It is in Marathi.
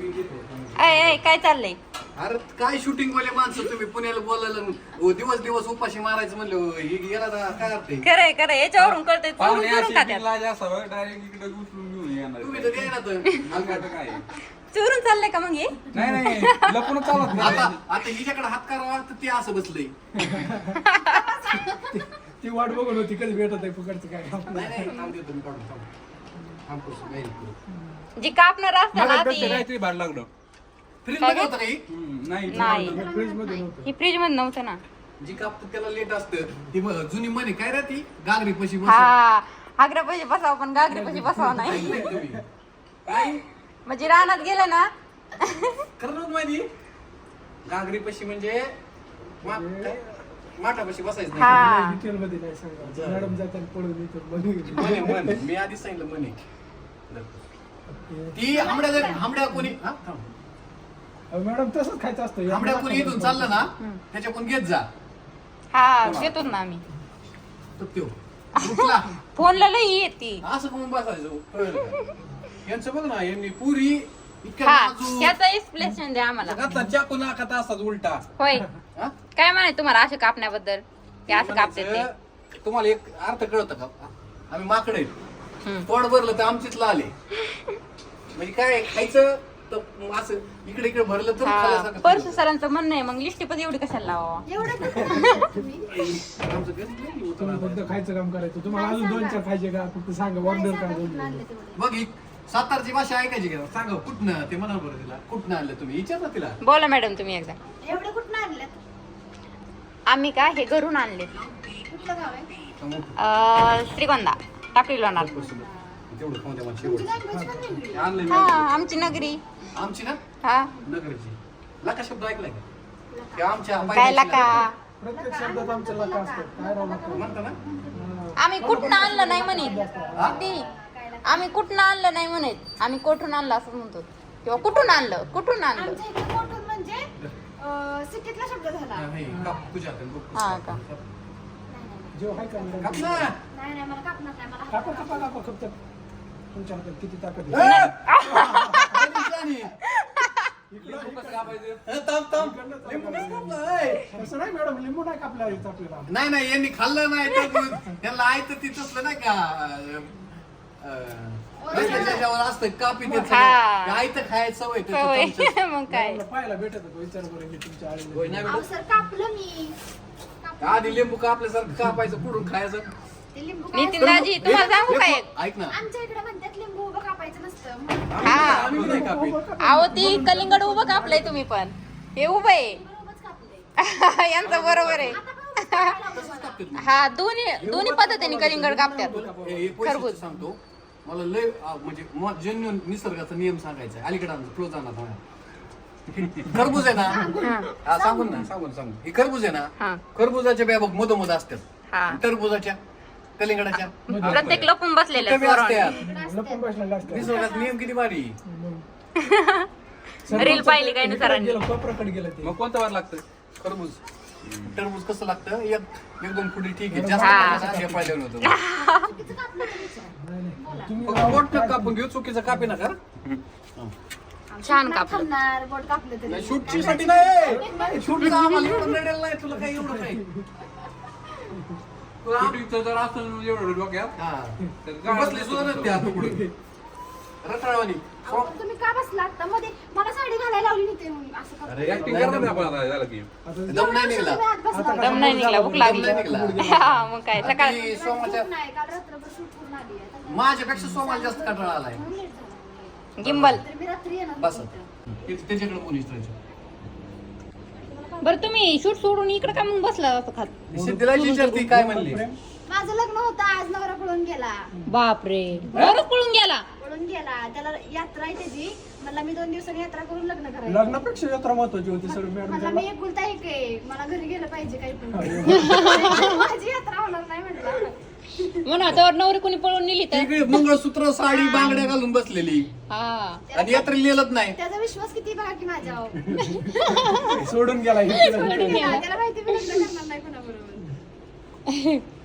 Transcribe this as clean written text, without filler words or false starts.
काय चाललंय? अरे काय शूटिंग वाले माणसं तुम्ही पुण्याला बोलायला दिवस दिवस उपाशी मारायचं म्हणलं ही गेला ना काय अर्थ आहे? खरंय याच्यावरून कळतंय चोरून चोरून खात्यात. डायरेक्ट इकडे उचलून घेऊन येणार. तुम्ही तर द्याय ना तर काय चोरून चाललंय का मग हे? नाही लपून चालत नाही. आता हिच्याकडे हात करावा तर ते असं बसलंय. ती वाट बघून होती कधी भेटत आहे फुकटचं काय नाही थांब देतो मी काढून थांब कसं नाही जी कापणार असतं ना ती काहीतरी भाड लागलं. फ्रीज मध्ये होतं काही नाही नाही फ्रीज मध्ये नव्हतं. ही फ्रीज मध्ये नव्हतं ना. जी कापतं त्याला लेट असतं ती जुनी म्हणे काय रे ती गागरी पशी बस हा आग्रा पैसे बसावं पण गागरी पैसे बसावं नाही. म्हणजे रानात गेलं ना खरं नव्हतं माहिती गागरी पशी म्हणजे माठापाशी बसायचं नाही. हा डिटेल मध्ये नाही सांगा मॅडम जाताना पडून येतो बघून म्हणे मी आधीच सांगितलं म्हणे ती आंबड्या कोणी हा, थांब. मॅडम तसंच खायचं असतं आंबड्या कोणी इथून चाललं ना त्याच्या कोण घेत जा हा घेतो ना आम्ही. तर त्यो उठला फोनला लई येते. असं करून बसायचं कळलं का? यांचं बघ ना यांनी पुरी इतक्या हा नाजूक याचा एक्सप्लेनेशन द्या आम्हाला. घातला चाकू नाकात असाच उलटा. होय हा? काय म्हणाय तुम्हाला असं कापण्याबद्दल ते असं कापते ते. म्हणायचं, तुम्हाला एक अर्थ कळतं का आम्ही माकडे तोंड भरलं तर आमचीच लाल आहे म्हणजे काय खायचं तर असं इकडे इकडे भरलं तर हा खाल्ल्यासारखं परसू खाल्लं. सरांचं म्हणणं आहे मग लिस्टी पण एवढी कशाला लावा. आमचं गणित नाही होतं तुम्ही ना. फक्त खायचं काम करायचं तुम्हाला अजून 2-4 खायचे का फक्त सांगा ऑर्डर करा दोन. बघ ही सातारची भाषा ऐकायची का सांगा कुठनं ते म्हणा बरं तिला कुठनं आणलं तुम्ही विचारलं तिला बोला मॅडम तुम्ही एकदा. एवढे कुठं आणल्यात? आम्ही का हे घरून आणले कुठलं गाव आहे? श्रीगोंदा टाकली लोणार. तेवढं खाऊन द्या मला तुमची शेवट language पण वेगळी आहे. आणलं मी हा आमची नगरी. आमची ना हा नगरची लका शब्द ऐकलाय का ते आमच्या काय पायथ्याशी लका प्रत्येक शब्दात आमच्या लका असतात काय राव लका म्हणता ना आम्ही कुठनं आणलं नाही म्हणत हा? ती आम्ही कुठनं आणलं नाही म्हणत आम्ही कोठून आणलं असं म्हणतो किंवा कुठून आणलं आणलं. आमच्या इकडे कोठून म्हणजे सिटीतला शब्द झाला. नाही, काप तुझ्या हाताने बघ. हा का? जेव्हा हाय का मॅडम काप ना. नाही मला कापणार नाही मला कापा कापा कापा फक्त तुमच्या हातात किती ताकद ए! आहे आणि लिंबू कसं कापायचं? थांब. लिंबू कसं कापलं? ए! तसं नाही मॅडम लिंबू नाही कापला आपल्याला नाही यांनी खाल्लं नाही तर त्यांना आयत ती तसलं नाही का त्याच्यावर असतं कापी हा. आयत खायचं सवय त्याचं होय चमच्यात. मग काय पाहायला भेटत होतो विचार करून की तुमच्या होय आईने नाही अहो बेटा? सर कापलं मी. आधी लिंबू कापल्यासारखं कापायचं पुढून खायचं ते लिंबू काय नितीन दाजी तुम्हाला सांगू काय ऐक ना आमच्या इकडे म्हणतात लिंबू उभं कापायचं नसतं. आम्ही नाही कापी अहो ती कलिंगड उभं कापलंय तुम्ही पण हे उभं आहे. उभंच कापलंय. यांचं बरोबर आहे. आता पण तसंच कापतात ना. हा दोन्ही पद्धतीने कलिंगड कापतात. एक वैशिष्ट्य सांगतो मला लय म्हणजे जन्य निसर्गाचा नियम सांगायचा अलीकडे आमचं क्लोज जाणार खरबूज आहे ना हा सांगून हे खरबूज आहे हा. ना खरबुजाच्या बिया बघ मधोमध असतात हा टरबुजाच्या कलिंगडाच्या प्रत्येक लपून बसलेले कमी असतात लपून बसलेला असतं निसर्गाचा नियम किती भारी रील पाहिली काय ना सरांनी. गेलं कोपराकडे गेलं ते मग कोणतं वार लागतं? खरबूज टरबूज कसं लागतं एकदम पुढे ठीक आहे जास्त हा. खायचं हे पाहिलं नव्हतं चुकीचं कापलं नाही सर. नाही नाही तुम्ही फक्त बोट कापून घेऊ चुकीचं कापी नका छान नाही कापलं. खाणार बोट कापलं तरी. शूटची साठी नाही शूटचं आम्हाला एवढं नडेल नाही तुला काही एवढं काही शूटिंगचं जर असं एवढं डोक्यात हा तर बसले सुद्धा नाही ते आता पुढे रटाळवाणी अहो, तुम्ही का बसला आता मध्ये मला साडी घालायला लावली नाही ते म्हणून असं करतो. अरे ऍक्टिंग करणार नाही आपण आता झालं की. दम नाही निघला तुम्ही आत बसला. दम नाही निघला भूक लागली. दम नाही निघला. हा मग काय सकाळ आणि सोमाच्या झोप नाही, काल रात्रभर शूट करून आली आहे. आता माझ्यापेक्षा सोमाला जास्त कंटाळा आलाय म्हणून late झालं. गिंबल. तर मी रात्री येणार बस होते इथं. त्याच्याकडे पोलीस राहायचं बरं तुम्ही शूट सोडून इकडे का मग बसला असं खात. सिद्धीला विचारती काय म्हणली माझं लग्न होतं आज नवरा पळून गेला. बापरे बरंच पळून गेला. पळून गेला त्याला यात्रा आहे त्याची. मला मी 2 दिवसांनी यात्रा करून लग्न करायचं. लग्नापेक्षा यात्रा महत्वाची होती सर मला मॅडम मी एकुलता एक आहे. मला घरी गेलं पाहिजे काही पण. माझी यात्रा होणार नाही म्हटलं. म्हणा तर नवरी कोणी पळून नेली तर इकडे मंगळसूत्र साडी बांगड्या घालून बसलेली हा आणि यात्रेला नेलत नाही त्याचा विश्वास किती बघा की माझ्यावर. सोडून गेला सोडून गेला. त्याला माहिती मी लग्न करणार नाही कोणाबरोबर.